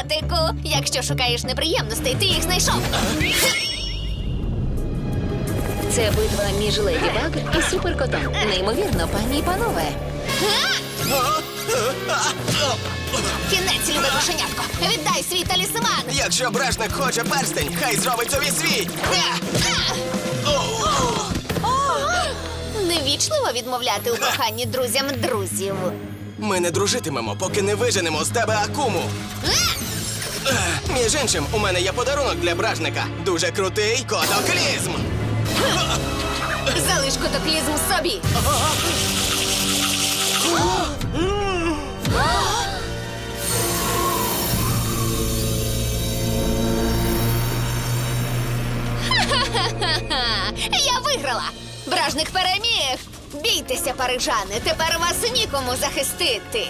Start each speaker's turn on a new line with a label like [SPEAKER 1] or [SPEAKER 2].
[SPEAKER 1] котику. Якщо шукаєш неприємностей, ти їх знайшов.
[SPEAKER 2] Це битва між Леді Баг і Суперкотом. Неймовірно, пані і панове.
[SPEAKER 1] Кінець, любе кошенятко. Віддай свій талісман.
[SPEAKER 3] Якщо бражник хоче перстень, хай зробить собі свій.
[SPEAKER 1] Невічливо відмовляти у проханні друзям друзів.
[SPEAKER 3] Ми не дружитимемо, поки не виженемо з тебе Акуму. Між іншим, у мене є подарунок для бражника. Дуже крутий котоклізм.
[SPEAKER 1] Залиш котоклізм собі. Ха-ха-ха! Я виграла! Бражник переміг! Бійтеся, парижани, тепер вас нікому захистити.